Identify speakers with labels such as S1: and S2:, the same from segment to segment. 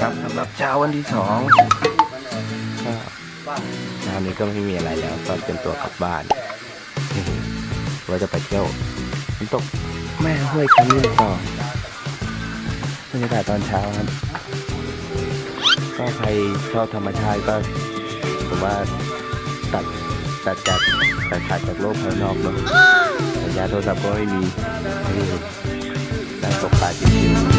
S1: ครับสำหรับเช้าวันที่2ก็เช้านี้ก็ไม่มีอะไรแล้วก็เตรียมตัวกลับบ้านว่าจะไปเที่ยวน้ำตกแม่ห้วยขมิ้นต่อบรรยากาศตอนเช้าครับก็ใครชอบธรรมชาติก็ผมว่าตัดขาดจากโลกภายนอกเนาะสัญญาณโทรศัพท์ก็ไม่มีนั่งตกปลาชิวๆ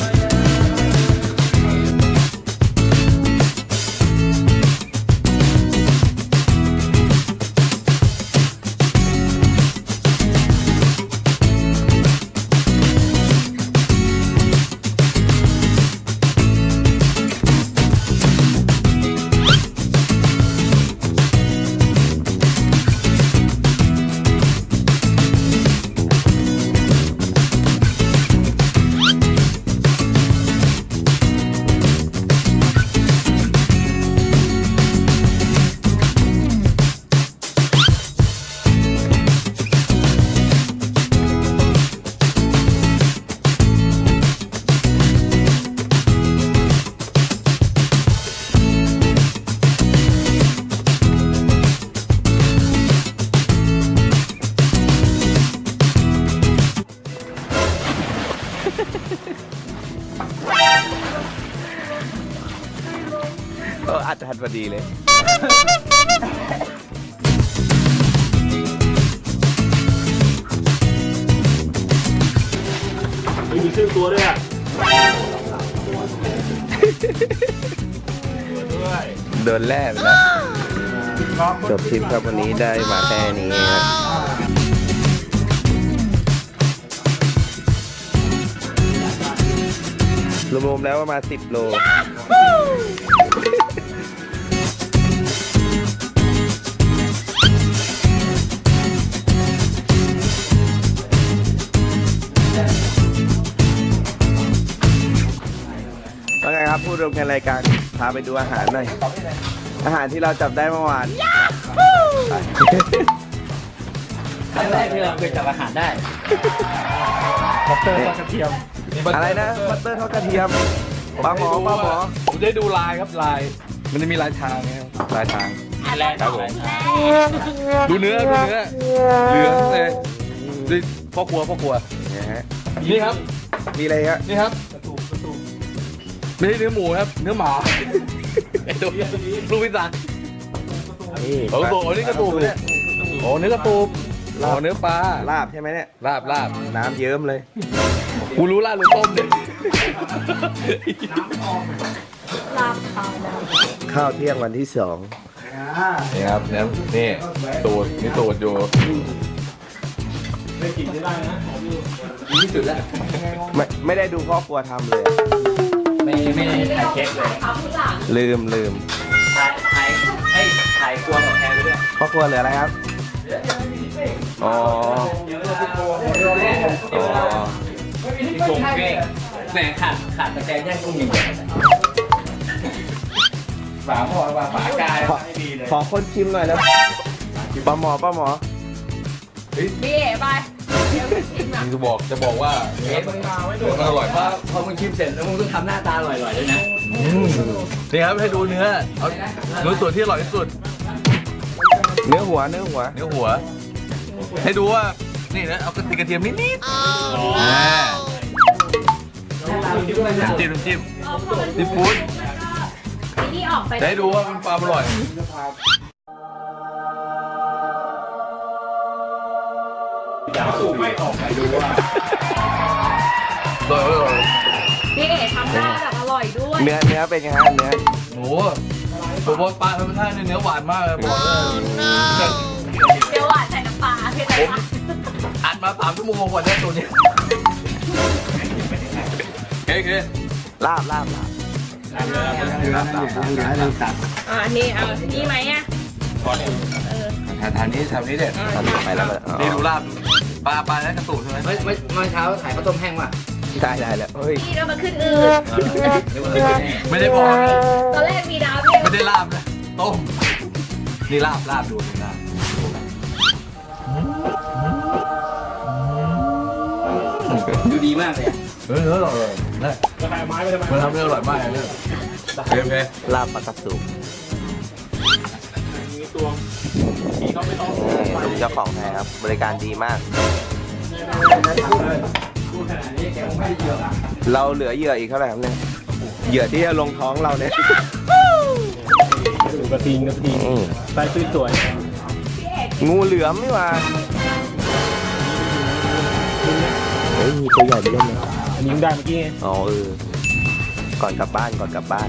S1: ก็อาจจะทันพอดีเลย
S2: มีชื่อตัวด้วยอ่ะ
S1: โดนแล่ไปแล้วจบทริปครับวันนี้ได้มาแค่นี้ครับรวมๆแล้วประมาณ10 โลว่าไงครับผู้ร่วมงานรายการพาไปดูอาหารหน่อยอาหารที่เราจับได้เมื่อวาน
S3: ครั้งแรกที่เราเคยจับอาหารได้บัตเตอร์ทอดกระเทียม
S1: อะไรนะบัตเตอร์ทอดกระเทียมปลาหมอ
S2: ผมได้ดูลายครับลายมันจะมีลายทางนะครับลายทาง
S3: แรกครับผม
S2: ดูเนื้อเหลืองเลยดูพ่อครัว
S1: เนี่ยฮะ
S2: นี่ครับ
S1: มีอะไรครับ
S2: นี่ครับไม่ใช่เนื้อหมูครับเนื้อหมาไอ้ตัวลูกพิซซ่า
S1: นี่
S2: โอ้โหนี่กระตูบเนี่ยโอ้เนื้อกระตูบอ๋อเนื้อปลา
S1: ลาบใช่ไหมเนี่ย
S2: ลาบ
S1: น้ำเยิ้มเลย
S2: กูรู้ลาบหรือต้มเนี่ย
S1: ข้าวเที่ยงวันที่2
S2: นี่ครับนี่ตูดอยู่
S1: ไม่ได้ดูพ่อครัวทำเลย
S3: ไม่ถ่ายเช็คเลย
S1: ลืม
S3: ถ่ายกลัวกับแทนไปด้วย
S1: พ่อครัวเหลืออะไรครับอ๋อ
S3: ที่โกงเก้งแหมขาดตะแกรงย่างกุ้งอย่างเดียวฝาพอว่าฝากายไม่ดีเลย
S1: ขอคนชิมหน่อยแล้วปลาหมอ
S4: พี่เอ๋ไปเดี๋ยวชิมอ่ะ
S2: จะบอกว่ามันอร่อยมาก
S3: พอมึงชิมเสร็จแล้วมึงต้องทำหน้าตาอร่อยๆด้วยนะ
S2: นี่ครับให้ดูเนื้อเอาเนื้อส่วนที่อร่อยที่สุด
S1: เนื้อหัว
S2: ให้ดูว่านี่นะเอากระเทียมนิดน้ำจิ้มซีฟู้ด
S4: นี่ออกไป
S2: ให้ดูว่ามันปลาอร่อยไม่ออกไปดูว่าอร่อย
S4: พี่เอ๋ทำได้แบบอร่อยด้วย
S1: เนื้อเป็นไงฮะเนื้อ
S2: โอ้โหตัวบอลปลาธรรมชาติเนื้อหวานมากเลยบอกเลย
S4: เดี๋ยวหวานใส่น้ำปลาพี่แต่ว่า
S2: อัดมา3 ชั่วโมงกว่าได้ตัวนี้โอเค
S1: ลาบ
S4: นี่เอานี่ไหมอ่ะ
S2: ทางนี้เด็ด
S1: ไปแล้ว
S2: นี่ดูลาบปลาแล้วกระตุกใช่ไหม
S3: เมื่อเช้าถ่ายข้าวต้มแห้งว่ะ
S1: ได้แล้วเฮ้ย
S4: พี่เรามาขึ้นอืด
S2: ไม่ได้บอก
S4: ตอนแรกมีน้ำเนี่ย
S2: ไม่ได้ลาบนะต้มนี่ลาบดูลาบ
S3: ดีมากเลย
S2: เฮ้ยอร่อยได้จะทำไม้ไปทำไมมันทำได้อร่อยมากเลยโอเค
S1: ลาบปลากระสุน
S2: มีตัวมีเขาไม่ต้อง
S1: ลุงเจ้าของแพครับ บริการดีมาก
S3: พูดขนาดนี้แกคงไม่ได้เยอะอ่ะ
S1: เราเหลือเหยื่ออีกเท่าไหร่ครับเนี่ยเหยื่อที่จะลงท้องเราเนี่ย
S2: กระทิงใส่สวย
S1: งูเหลือมนี่หว่าเฮ้ยมีตัวใหญ่ไปเล่นเลย
S2: อันนี้ได้เมื่อกี้ไง
S1: อ๋อก่อนกลับบ้าน
S4: เอฟซีเรา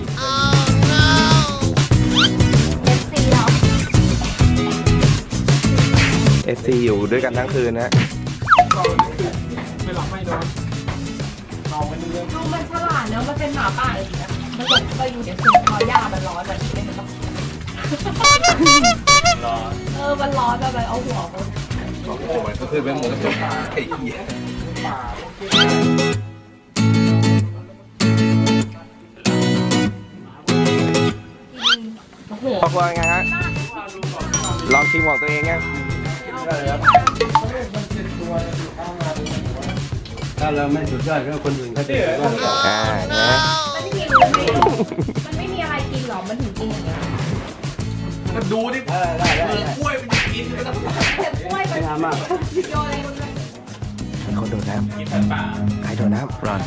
S1: FC อยู่ด้วยกันทั้งคืนนะ
S2: ไม่หลับไม่นอนนอนกันเรื่อง
S4: ดูมันฉลาดเนอะมันเป็นหมาป่าเลยนะมันหลงไปอยู่ในคุกคอหญ้ามันร้อนแบบนี้เลยมันต้อง
S2: รอ
S4: มันร้อนแบบเอาหัวมัน
S2: โอ้ยก็คือเป็นหมูกระจกไอ้เหี้ย
S4: โอ้โห
S1: ครอบครัวไงฮะลองชิมของตัวเองยัง
S3: ถ้าเราไม่สุดยอดก็คนอื่นเขาจะสุดยอด
S1: นะ
S4: มันไม่มีอะไรมันไม่มีอะไรกินหรอมันถึงกินอย่างเงี้ย
S2: ก็ดูดิเปลือกกล้วยมันจะกินไม่ต้อง
S4: แต่กล้วยมันโยนอะไรมัน
S1: ให้เขาโดดน้
S2: กินแต่ป่า
S1: ำใครโดดน้ำรอน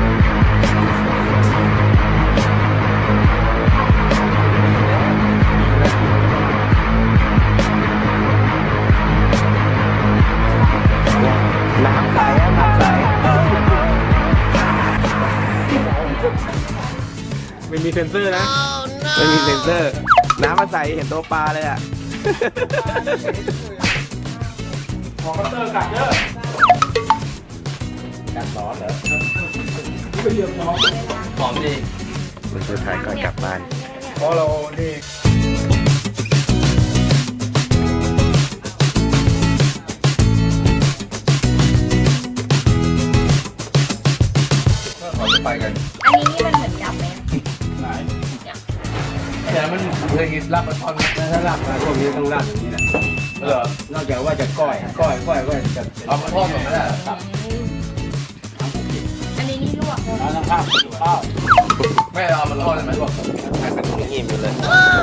S1: น้ำใสอะน้ำใส
S2: ไม่มีเซ็นเซอร์นะ
S1: ไม่มีเซ็นเซอร์ น้ำมาใสเห็นตัวปลาเลยอ่ะ
S2: ขอคัตเตอร์กัดเยอะ
S3: กัดร้อนเหรอ
S2: ไม่เยี่ยมน้อง
S3: หอมดี
S1: มันสุดท้ายก่อนกลับบ้าน
S2: เพราะเรานี่เราจะไปกัน
S4: อันนี้นี่มันเหมือนจับไหม
S2: ไหนแต่มันเคยกินลาบปลาช่อน
S3: ถ้าลาบมาพวกนี้ต้องลาบอย่างนี้แหละ
S2: เหรอน
S3: อกจากว่าจะก้อยจะ
S2: เอามาทอดก่อนก็ได้ครับ
S4: อันนี้นี่ลวกเลย
S3: แล้วข้าวข้าว
S2: ไม่เอามาทอดได้ไหมบอกให้เป็น
S1: ยิ้มอยู่เลย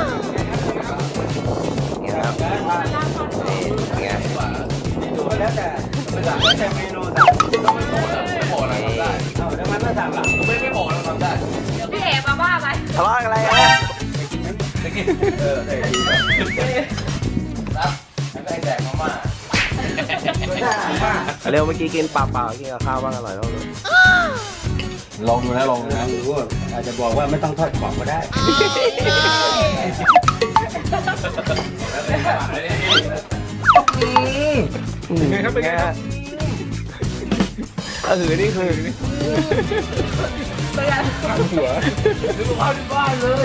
S1: เนี่ยครับนี่ไง
S3: ดูแล้วแต่เมนูแต่
S2: ไม่บอกอะไรทำได้
S3: แล้วมันไม่สั่งหลัง
S2: ไม่บอกเราทำได้
S4: เดี๋ยวพี่เอ๋มาว่าไป
S1: ทะเลาะอะไรอ่ะ
S2: ได้กินได้กินแล้วให้แดกมาม่า
S1: เร็วเมื่อกี้กินเปล่าๆกินกับข้าวบ้างอร่อยแล้วเลย
S2: ลองดูนะลองดูนะ
S3: หรือว่าอาจจะบอกว่าไม่ต้องทอดกรอบก็ได้
S2: ไงครับเป็นไงครับ
S1: นี่คือ
S4: เป็นไง
S2: หัวซื้อข้าวที่บ้านเลย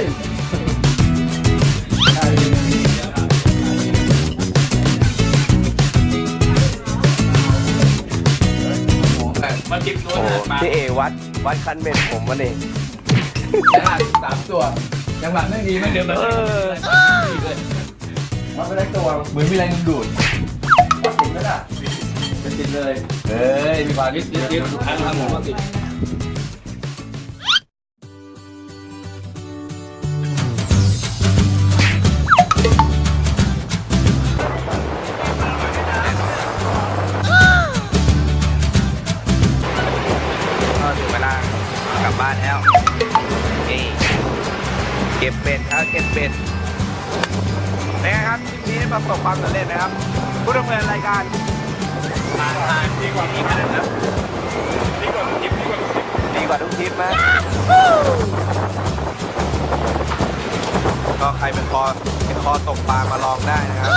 S2: มาจิบตัว
S1: โอ้
S2: มา
S1: พี่เอวัดคันเบ็ดผมวันเอง
S2: 3 ตัวจังหวะไม่ดีไม่เดิมเลย
S3: มันไม่ได้ตัว
S2: เหมือนมีแรงดึงดูดติดแล้วน่ะเป็นติดเลยเฮ้ยมีความนิดทางหมูติด
S1: ก็ถึงเวลากลับบ้านแล้วนี่เก็บเป็ดครับเก็บเป็ดเป็นไงครับคลิปนี้ประสบความสำเร็จนะครับผู้ดำเนินรายการดีกว่าทุกคลิปนะดีกว่าทุกคลิปนะก็ใครเป็นคอตกปลามาลองได้นะครับ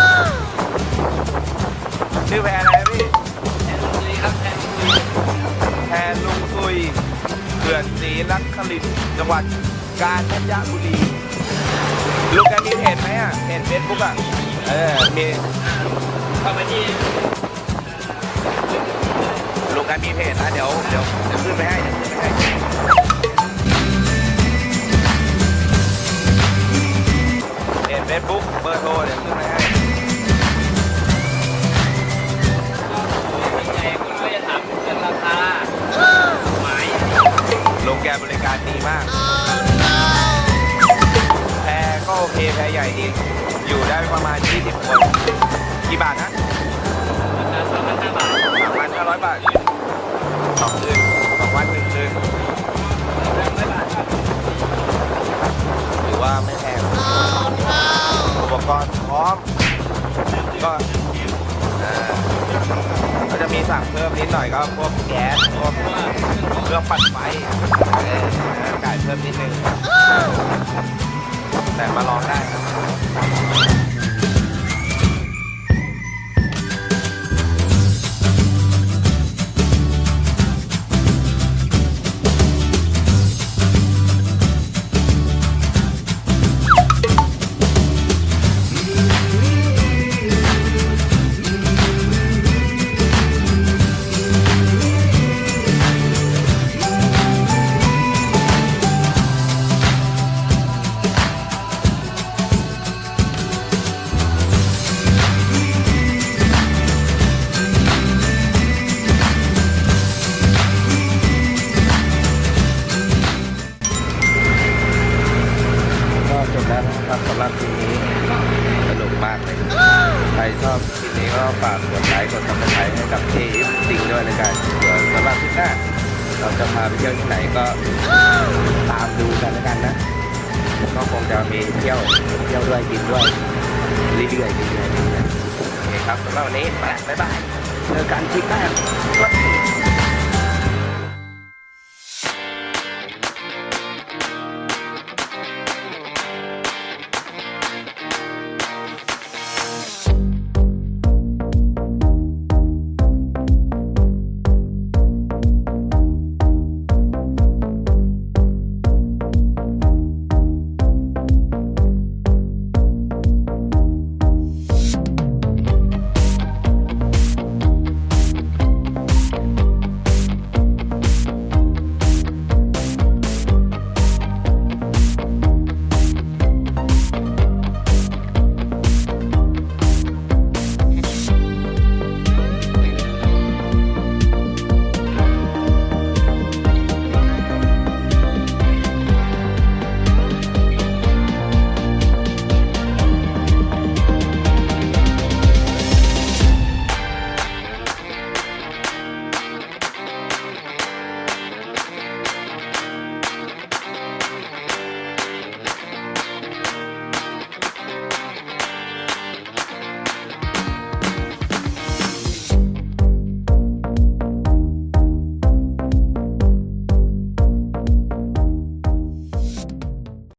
S1: ชื่อแพรอะไรพี่แพรลุงซุยเขื่อนศรีนครินทร์จังหวัดกาญจนบุรีลูกแกมีเพจไหมอ่ะเพจเฟซบุ๊กอ่ะมีเข้ามาที่ลูกแกมีเพจนะเดี๋ยวขึ้นไปให้เพจเฟซบุ๊กเบอร์โทรเดี๋ยวขึ้นไปให้
S3: คุณก็จะถามเรื่องราคา
S1: บริการดีมากแพรก็โอเคแพรใหญ่ดีอยู่ได้ประมาณ20 คนกี่บาทนะ
S3: 3,500 บาท
S1: 3,500 บาท2 คืน2 วัน 1 คืนถือว่าไม่แพงอุปกรณ์พร้อมก็ก็จะมีสั่งเพิ่มนิดหน่อยก็พวกแก๊สพวกเครื่องปั่นไฟจ่ายเพิ่มนิดนึงแต่มาลองได้ครับก็จบแล้วนะครับสำหรับคลิปนี้สนุกมากเลยใครชอบคลิปนี้ก็ฝากกดไลค์กดซับสไครต์ให้กับที่สิ่งด้วยในการเดี๋ยวสำหรับคลิปหน้าเราจะพาไปเที่ยวที่ไหนก็ตามดูกันแล้วกันนะก็คงจะมีเที่ยวด้วยกินด้วยเรื่อยๆโอเคครับสำหรับวันนี้ไปบ๊ายบายเจอกันคลิปหน้า